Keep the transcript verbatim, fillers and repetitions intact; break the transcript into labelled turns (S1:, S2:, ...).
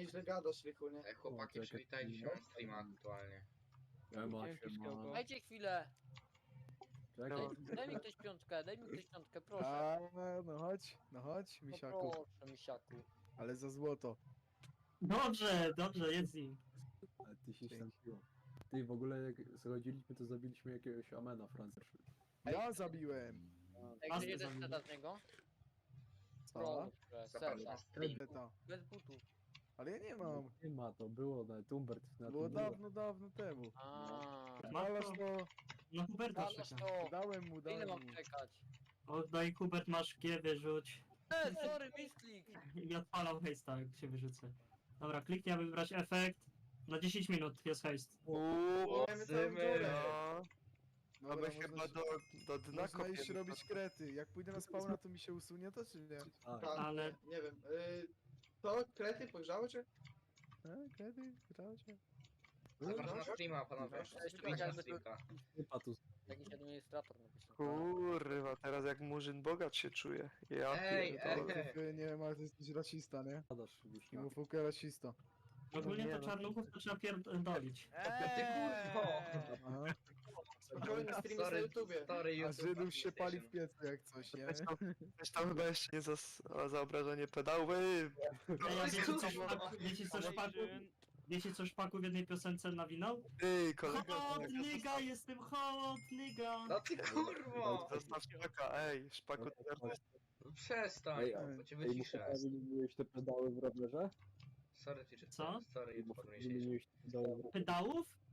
S1: nieźle gadasz, Rychu, nie?
S2: Ej, chłopaki,
S3: O, czekaj,
S2: przywitajcie się
S3: no.
S2: na streama aktualnie.
S3: Siema,
S4: Dzięki,
S3: siema.
S4: Szkiełko.
S5: Dajcie chwilę.
S3: Czekaj.
S5: Daj, daj mi ktoś piątkę, daj mi ktoś piątkę, proszę.
S6: A, no chodź, no chodź,
S5: No
S6: misiaku.
S5: proszę, misiaku.
S6: Ale za złoto.
S7: Dobrze, dobrze, jedz z nim.
S3: Ale ty się
S6: Dzięki.
S3: stępiło. Ty, w ogóle jak schodziliśmy, to zabiliśmy jakiegoś Amena Francja.
S6: Ja zabiłem.
S5: Jak
S7: Pasty
S5: jeden
S7: zamówię.
S5: seta z niego?
S6: Co?
S5: Proszę,
S2: Zapadł
S5: seta.
S2: na stream.
S6: Beta.
S5: Bez butów.
S6: Ale ja nie mam.
S3: Nie ma, to było nawet Umbert na
S6: Było
S3: tym
S6: dawno, dawno temu.
S5: Aaa.
S6: Dalasz to,
S7: No Huberta
S5: Dalasz
S7: czeka.
S5: to.
S6: dałem mu,
S5: Ile
S6: dałem
S5: mam
S6: mu.
S5: czekać?
S7: Oddaj Hubert, masz G, wyrzuć.
S5: E, sorry, misklik.
S7: I mi odpalał hejsta, jak się wyrzucę. Dobra, kliknij, aby wybrać efekt. Na dziesięć minut jest hejst.
S1: Uuu,
S8: No,
S6: Dobra,
S8: aby
S6: można,
S8: chyba do, do dna
S6: można iść
S8: kopiemy.
S6: robić krety. Jak pójdę na spawna, to mi się usunie to, czy nie?
S3: Tak,
S1: Tak,
S7: Ale-
S1: nie, nie wiem. Y, to krety pogrzało cię?
S6: A, krety? Gracie?
S2: Zapraszam na streama, panowie. Wbijcie na streamka.
S3: typa tu.
S5: Jakiś administrator napisał.
S8: Kurwa, teraz jak murzyn bogacz się czuje. Ja
S2: Ej,
S8: pierdolę.
S2: ej.
S6: Ty, nie wiem, ale ty jesteś rasista, nie?
S3: Spadasz,
S6: I
S3: wiśnia.
S6: mu fukę rasista.
S7: Ogólnie
S8: nie,
S7: to
S8: no.
S7: czarnuchów to trzeba pierdolić.
S2: Ty kurwo!
S6: Aha.
S1: Spokojnie, streamy na
S2: Sorry,
S1: YouTubie.
S2: sorry,
S6: A
S2: YouTube.
S6: Żydów się pali w piecu jak coś, nie?
S8: Weź tam, weź tam chyba jeszcze nie za, a za obrażenie pedału. Ej,
S7: Ej, a wiecie co
S2: kurwa.
S7: szpaku, wiecie co szpaku, wiecie co szpaku w jednej piosence nawinął?
S8: ej kolega,
S7: Hot nigga, jestem hot nigga.
S2: No ty kurwo!
S8: zostaw szpaka, ej, szpaku teraz.
S2: No przestań,
S3: Ej,
S2: bo cię
S3: Ej, mu
S2: wyciszę.
S3: wymieniłeś te pedały w rowerze?
S2: Sorry, teacher.
S7: Co?
S2: Sorry,
S3: Mu
S2: YouTube administration.
S3: wymieniłeś te pedały w rowerze?
S7: Pedałów?